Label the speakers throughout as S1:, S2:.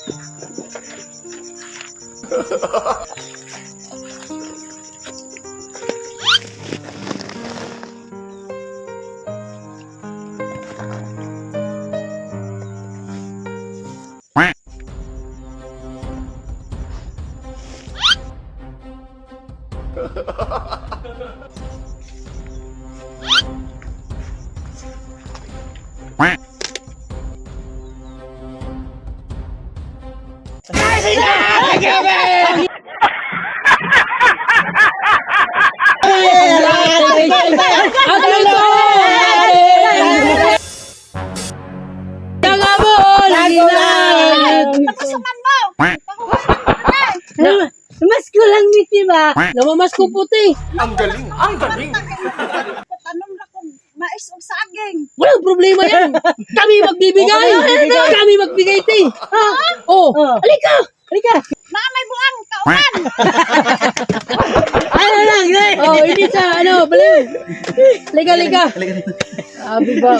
S1: Mas ko lang miti ba?
S2: Namamas ko puti.
S3: Ang galing! Ang galing!
S4: Tanom na kong mais o saging.
S2: Walang problema yan. Kami magbibigay. Kami magbigay, te. Oh, halika. Halika.
S4: Na may buang kauman.
S1: Ano lang, eh?
S2: Oh, hindi sa baliw. Halika. Sabi ba?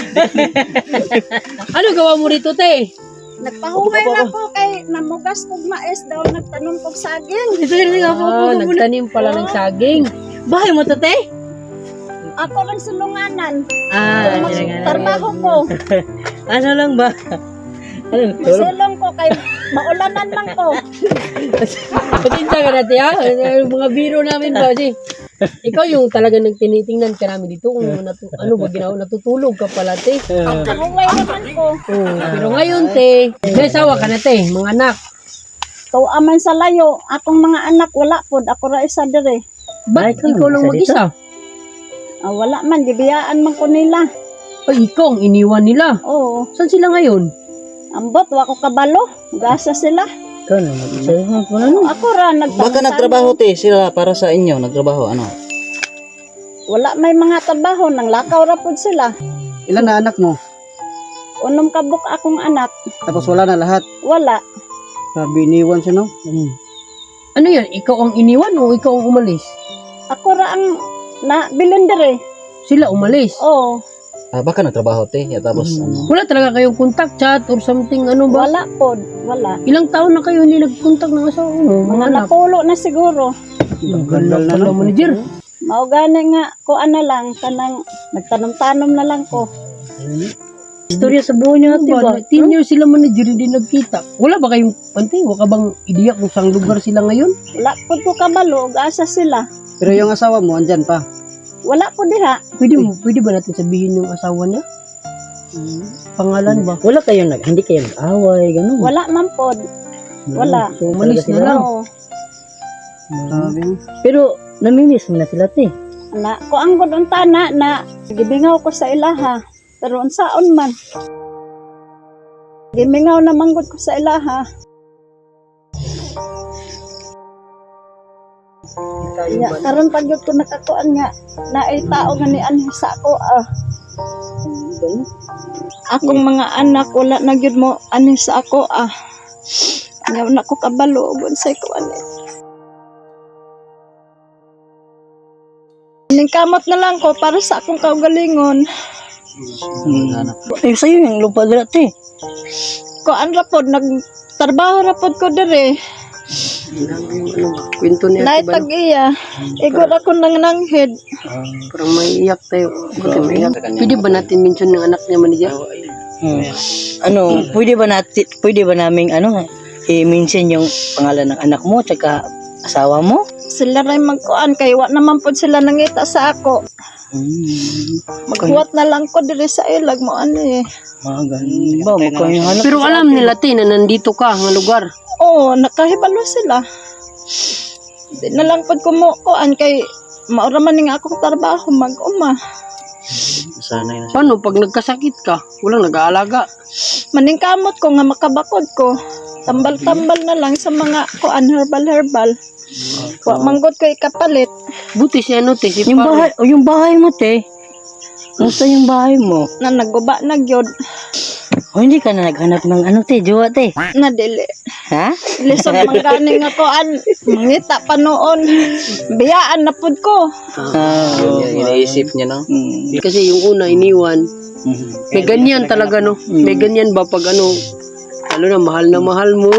S2: Ano gawa mo rito, te?
S4: Nagpahuway na ko kay namugas kog mais daw nagtanom kog saging.
S1: Ito rin nga po.
S2: Nagtanim pala ng saging.
S1: Bahay mo to, te?
S4: Ako lang sulunganan.
S1: Trabaho
S4: Trabaho ko.
S1: Ano lang ba?
S4: Masulong ko kay maulanan lang ko.
S2: Patinsa ka natin, ha? Mga biro namin ba, si? Ikaw yung talaga nagtinitingnan ka namin dito kung ano ba ginawa, natutulog ka pala, te.
S4: Pahuway naman ko.
S2: Oh, pero ngayon, te, may asawa ka na, te, mga anak.
S4: Tuaman sa layo, akong mga anak wala pod, ako ra isa dire.
S2: Ba't ikaw lang mag-isa?
S4: Wala man, gibiyaan man ko nila.
S2: Ay, ikaw ang iniwan nila.
S4: Oo.
S2: Saan sila ngayon?
S4: Ambot, wako kabalo. Gasa sila.
S1: Ikaw na mag-isa.
S4: Ako ra,
S5: Baka nagtrabaho te sila para sa inyo, nagtrabaho ano?
S4: Wala may mga trabaho, nang lakaw ra pod sila.
S5: Ilan na anak mo?
S4: Unom kabuk akong anak.
S5: Tapos wala na lahat.
S4: Wala.
S5: Sabi iniwan siya no?
S2: Ano yan? Ikaw ang iniwan o ikaw ang umalis?
S4: Ako ra ang bilin dire.
S2: Sila umalis.
S4: Oo.
S5: Baka nagtrabaho te, tapos ano?
S2: Wala talaga kayong contact, chat, or something, ano ba?
S4: Wala pod. Wala.
S2: Ilang taon na kayo hindi nag-contact ng asawa mo?
S4: Mga
S2: anak?
S4: napulo na siguro.
S2: Ganda pala, manager.
S4: Mao gani nga ko ana lang kanang nagtanom-tanom na lang ko.
S1: Istorya sa buhay niya, ate ba?
S2: 10 years sila manager, hindi nagkita. Wala ba kayong pantay? Wala ka bang ideya kung saan lugar sila ngayon?
S4: Wala pod ko kabalo, asa sila.
S5: Pero yung asawa mo andyan pa.
S4: Wala po diha.
S2: Pwede ba natin sabihin yung asawa niya? Pangalan ba?
S1: Wala kayo hindi kayo nag-away, gano'n.
S4: Wala man pod. Wala.
S2: So, umalis na lang.
S4: Oo.
S1: Pero, namimiss mo na sila, te.
S4: Na, ko ang gudong tana na gibingaw ko sa ilaha. Pero unsaon man. Gibingaw na manggod ko sa ilaha. Ya, karon pag yun ko nakakuan nga na ay tao nga ni anhi sa ako akong mga anak wala na gyud mo anhi sa ako Ngayon na ko kabalo ug unsay ko ani. Ningkamot na lang ko para sa akong kaugalingon.
S1: Ay, sa'yo yung lupa dira, te.
S4: Kuan ra pod nagtrabaho ra pod ko dire.
S2: Kwento niya.
S4: Nay tag-iya. Igor ako nang nanghid.
S2: Parang maiiyak tayo. Pwede ba natin mention ng anak niya, manager?
S1: Pwede ba naming i-mention yung pangalan ng anak mo tsaka asawa mo?
S4: Sila ray magkuan kay wa naman pod sila nangita sa ako. Maghuwat na lang ko diri sa ilag mo ani.
S1: Ba, magkano
S2: Pero alam nila, te, na nandito ka, ng lugar.
S4: Oo, nakahibalo sila. Di na lang pod kumukuan kay maura man nga akong trabaho mag-uma.
S5: Sanay na siya.
S2: Paano pag nagkasakit ka? Walang nag-aalaga.
S4: Maningkamot ko nga makabakod ko. Tambal-tambal na lang sa mga kuan herbal. Wa manggod ko ikapalit.
S2: Buti si ano, te, si
S1: yung
S2: Paro.
S1: bahay, yung bahay mo, te. Musta yung bahay mo?
S4: Na naguba na gyud.
S1: Hindi ka na naghanap ng te, jowa, te.
S4: Na dili.
S1: Ha?
S4: Lisod man gani nga kuan. Mangita pa noon. Biyaan na pud ko.
S5: Iniisip niya no?
S2: Kasi yung una, iniwan. May ganyan talaga, no? May ganyan ba pag lalo na mahal mo.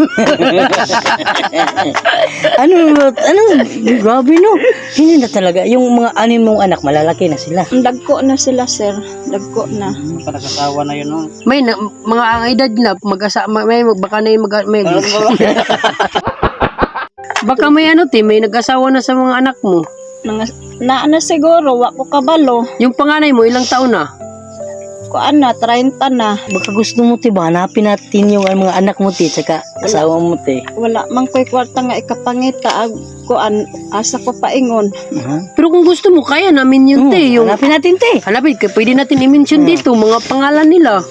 S1: Grabe no. Hindi na talaga. Yung mga anim mong anak, malalaki na sila.
S4: Dagko na sila, sir. Dagko na.
S5: Nakasawa na yun, no?
S2: May mga ang edad na baka na yung may baka may may nag-asawa na sa mga anak mo.
S4: Na siguro, wa ko kabalo.
S2: Yung panganay mo, ilang taon na?
S4: Kuan na, 30 na.
S1: Baka gusto mo, te, ba? Hanapin natin yung mga anak mo, te, tsaka asawa mo, te.
S4: Wala man ko'y kwarta nga ikapangita. Kuan, asa ko paingon.
S2: Pero kung gusto mo, kaya namin yun, te. Yung,
S1: Hanapin natin, te.
S2: hanapin, pwede natin i-mention dito, mga pangalan nila.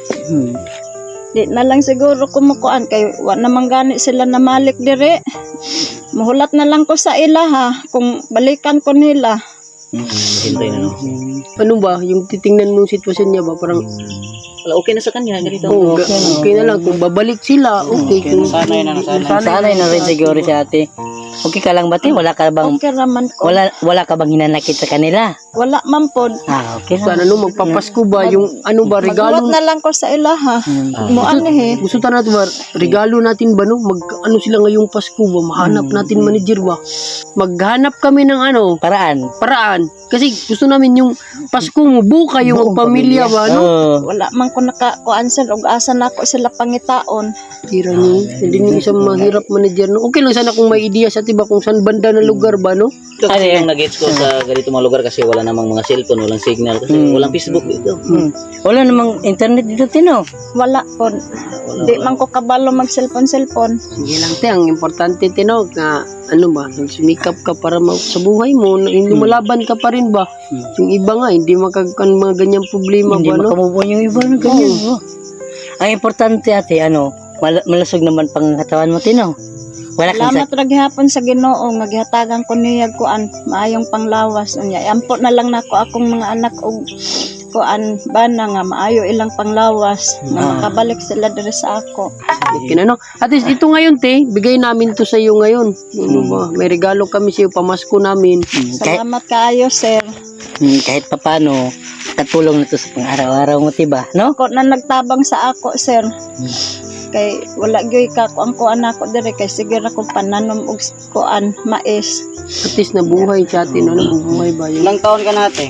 S4: Di na lang siguro kumukuan kay wa naman gani sila na malik dire. Muhulat na lang ko sa ila ha kung balikan ko nila.
S5: Hintay na, no?
S2: Ano ba, yung titingnan mong sitwasyon niya ba, parang,
S5: Wala, okay na sa kanya, ganito.
S2: okay na lang, kung babalik sila, okay. Kung,
S5: Sanay na,
S1: Sanay na rin siguro si ate. Okay ka lang ba, te? Wala ka bang,
S4: Okay raman ko.
S1: wala ka bang hinanakit sa kanila?
S4: Wala man pod.
S1: Okay lang.
S2: sana magpapasko ba, yung ano ba, regalo,
S4: Maghulat na lang ko sa ila ha. Muan eh.
S2: gusto ta natin ba, regalo natin ba, no? Ano sila ngayong Pasko ba, mahanap natin manager ba, maghanap kami ng paraan, kasi gusto namin yung Pasko mo, buka yung pamilya ba, no?
S4: Wala man ko nakakuan sir og asa na ako sila pangitaon.
S2: Tira niyo, hindi niyo isang mahirap manager, no? Okay lang sana kung may ideya sa tiba kung saan banda na lugar ba, no?
S5: Kasi yung nag-gets ko sa ganito mga lugar kasi wala namang mga cellphone, walang signal, kasi walang Facebook dito.
S1: Wala namang internet dito, Tino.
S4: Wala pod. Di man ko kabalo mag cellphone.
S2: Sige lang, te, ang importante, tinog, na ano ba, nagsumikap ka para sa buhay mo, na hindi malaban ka pa rin ba? Yung iba nga, hindi makagkan mga ganyang problema
S1: Hindi
S2: ba, no?
S1: makamubuan yung iba na ganyan. Ang importante, ate, malasog naman pang katawan mo, Tino. Wala kang
S4: Salamat ra gihapon sa Ginoo nga gihatagan ko niya kuan maayong panglawas unya. Ampo na lang nako akong mga anak og kuan bana nga maayo ilang panglawas nga makabalik sila diri sa ako.
S2: Okay na, no? At least ito ngayon, te, bigay namin to sa iyo ngayon. Ano ba? May regalo kami sa iyo, pamasko namin.
S4: Salamat kaayo sir.
S1: kahit papano, katulong na to sa pang-araw-araw mo, diba? No?
S4: Ako na nagtabang sa ako sir. Kay wala gyud ka kuan ako diri kay sige ra ko pananom og kuan mais.
S2: At least nabuhay sa atin, no? Nabubuhay ba yun?
S5: Ilang taon ka natin?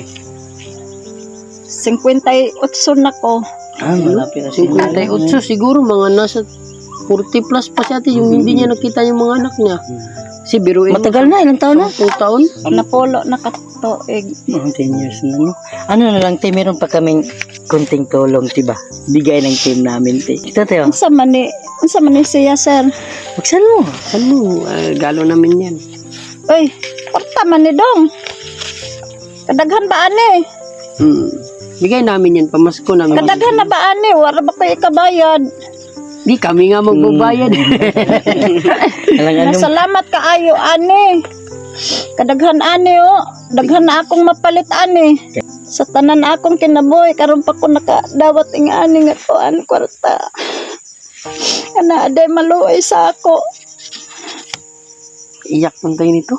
S4: 58 na ko.
S5: Malapit na siya.
S2: 58 siguro, mga nasa 40 plus pa siya, yung hindi niya nakita yung mga anak niya. Si biruin mo,
S1: Matagal na, ilang taon na?
S2: 10 taon?
S4: Napulo na katuig.
S1: 10 years na, no? Ano na lang, te, meron pa kaming kunting tulong, diba? Bigay ng team namin, te. Ito, te, oh.
S4: Unsa man ni siya sir?
S1: Buksan mo.
S2: Ano, galo namin yan.
S4: Uy, porta man ni dong. Kadaghan ba ani?
S2: Bigay namin yan, pamasko namin.
S4: Kadaghan na ba ani? Wala ba kayo ikabayad?
S2: Di kami nga magbabayad.
S4: Salamat kaayo ani. Kadaghan ani o. Daghan na akong mapalit ani. Sa tanan akong kinabuhi karon pa ko nakadawat ing ani nga kuan kwarta. Ana ade maluoy sa ako.
S2: Iyak man tayo nito.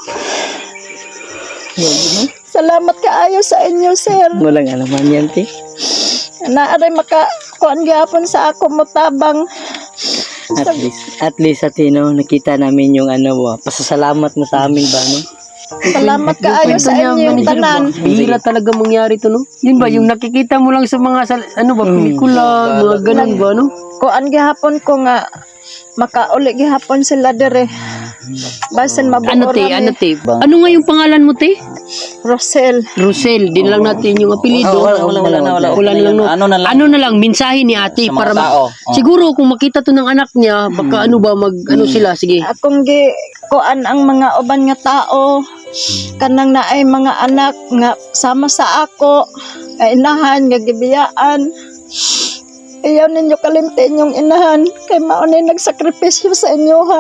S4: Salamat kaayo sa inyo sir.
S1: Walang alaman yan, te.
S4: Ana aray maka kuan gyapon sa ako motabang.
S1: At least, ate, no, nakita namin yung pasasalamat mo sa amin ba, no?
S4: Salamat kaayo sa inyong tanan.
S2: Bihira talaga mangyari to, no? Yun ba, yung nakikita mo lang sa mga, pelikula, mga ganun ba, no?
S4: Kuan gihapon ko nga makauli gihapon sila dire. Basin mabuo
S2: Ano, te? Ano nga yung pangalan mo, te?
S4: Rosel.
S2: Rosel, din lang natin yung apelido.
S5: Wala
S2: Wala na lang. Ano na lang, mensahe ni ate para siguro kung makita to ng anak niya, baka sila, sige.
S4: Akong gi kuan ang mga uban nga tao kanang naay mga anak nga sama sa ako ay inahan nga gibiyaan. Ayaw ninyo kalimtin yung inahan kay maunay nagsakripisyo sa inyo ha.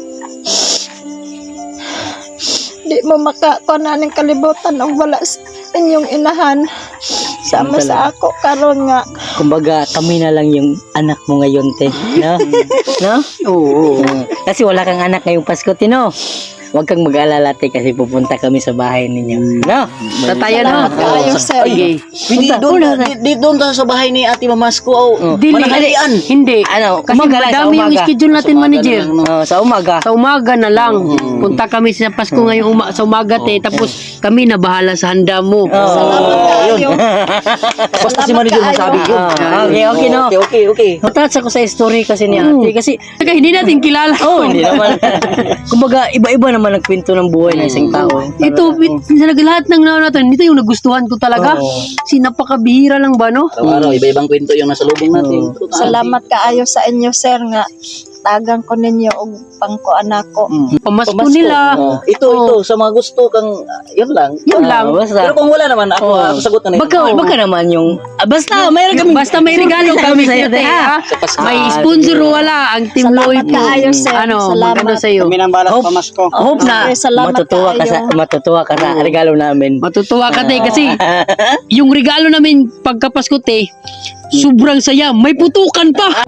S4: Di mo makakuha ng kalibutan ang wala sa inyong inahan. Sama sa ako karon nga.
S1: Kumbaga, kami na lang yung anak mo ngayon, te. No? No?
S2: Oo.
S1: Kasi wala kang anak ngayong Pasko, Tino. Huwag kang mag-alala te kasi pupunta kami sa bahay ninyo. No?
S2: Tataya na.
S4: Salamat kayo, sir.
S2: Okay.
S5: Hindi doon, di doon tayo sa bahay ni Ate Mamasko. Oh,
S2: Dili.
S5: mananghalian.
S2: Hindi.
S1: Ano,
S2: Kasi
S1: umaga lang, sa
S2: madami yung
S1: umaga.
S2: schedule natin, manager.
S1: Sa umaga.
S2: Sa umaga na lang. Punta kami sa Pasko ngayong sa umaga, te. Tapos kami na bahala sa handa mo.
S4: Salamat kayo.
S5: Basta si manager masabi yun.
S1: Okay, no?
S5: Okay.
S1: Matouch ako sa story kasi ni ate. Kasi,
S2: Saka hindi natin kilala.
S1: hindi naman. Kumbaga, iba-iba naman ang kwento ng buhay ng isang tao.
S2: Ito, talaga lahat ng natin, ito yung nagustuhan ko talaga. Kasi napakabihira lang ba, no?
S5: Araw-araw, iba-ibang kwento yung nasa lubong natin.
S4: Salamat kaayo sa inyo, sir, nga tagang ko ninyo og pangkuan ako.
S2: Pamasko nila.
S5: Ito, sa mga gusto kang, yun lang.
S2: Yun lang.
S1: Basta,
S5: Pero kung wala naman, ako sagot na
S1: baka naman yung, basta, mayroon kami.
S2: Basta may regalo kami
S1: sa'yo,
S2: sa'yo, te,
S1: te,
S2: ha?
S5: Sa Pasko.
S2: May sponsor o wala. Ang Team
S4: Salamat
S2: Lloyd.
S4: kaayo, sir. Salamat.
S2: Maganda sa'yo.
S1: Hope na
S4: Okay, salamat
S1: matutuwa ka sa regalo namin.
S2: Matutuwa ka, te, kasi yung regalo namin pagkapasko, te, sobrang saya. May putukan pa.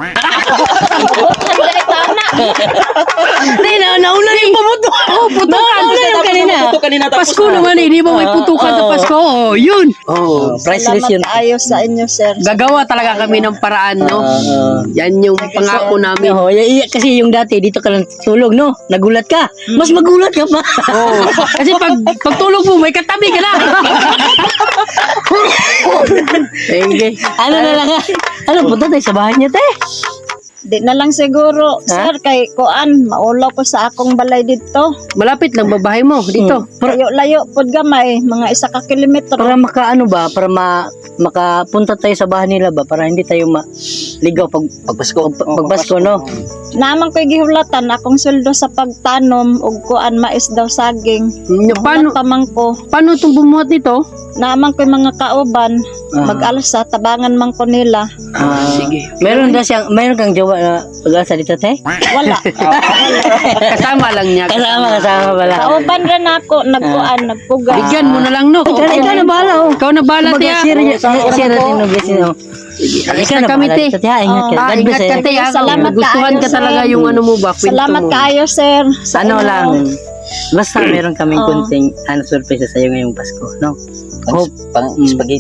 S1: Hindi, nauna yung pamuto. Putukan. Nauna yung kanina.
S2: Pasko naman eh. Di ba may putukan sa Pasko? Oh, yun.
S1: Priceless
S4: Salamat
S1: yun.
S4: kaayo sa inyo, sir.
S2: Gagawa talaga kami ng paraan, no? Yan yung pangako namin.
S1: Kasi yung dati, dito ka lang tulog, no? Nagulat ka. Mas magulat ka pa.
S2: Oh. Kasi pag tulog mo, may katabi ka na.
S1: Okay. Ano na lang ha? Ano, punta tayo sa bahay niya, te?
S4: Di na lang siguro, sir, kay kuan, maulaw ko sa akong balay dito.
S2: Malapit lang babahay mo dito.
S4: Layo-layo pod gamay, mga 1 kilometro.
S1: Para makaano ba? Para makapunta tayo sa bahay nila ba? Para hindi tayo maligaw pagpasko, no?
S4: Naman ko'y gihulatan akong sweldo sa pagtanom ug kuan mais daw saging.
S2: Paano
S4: Tamang ko.
S2: paano itong bumuhat nito?
S4: Naman ko'y mga kauban, mag-alsa, tabangan man ko nila.
S2: Sige.
S1: Meron kang jowa na pag-asa dito, te?
S4: Wala.
S2: Kasama lang niya.
S1: Kasama pala.
S4: Kauban rin ako, nagkuan, nagpugas.
S2: Bigyan mo na lang, no?
S1: Ikaw na bahala, oh.
S2: Ikaw na bahala, te.
S1: Kumbaga, share natin ng blessing, oh. Ikaw na
S2: kami,
S1: bahala
S2: te.
S1: dito, te, ha? Ingat ka. God bless,
S2: Ingat ka,
S1: eh.
S2: te.
S4: Salamat
S2: Gustuhan
S4: kaayo,
S2: ka talaga
S4: sir.
S2: yung ano mo ba? Kwento
S4: Salamat
S2: mo.
S4: kayo, sir. Sa
S1: Ano
S4: inyo.
S1: lang, basta meron kaming kunting surprise sa iyo ngayong Pasko, no? Hope.
S5: Pang spaghetti.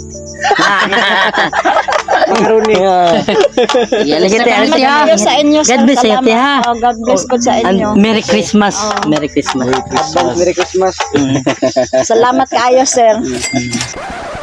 S1: Macaroni. Yan, sige, te.
S4: Salamat
S1: Sige, ha?
S4: kayo sa inyo, sir.
S1: God bless sa'yo, te, ha?
S4: Oh, God bless po sa
S1: And
S4: inyo.
S1: Merry Christmas. Merry Christmas.
S4: Salamat kayo, sir.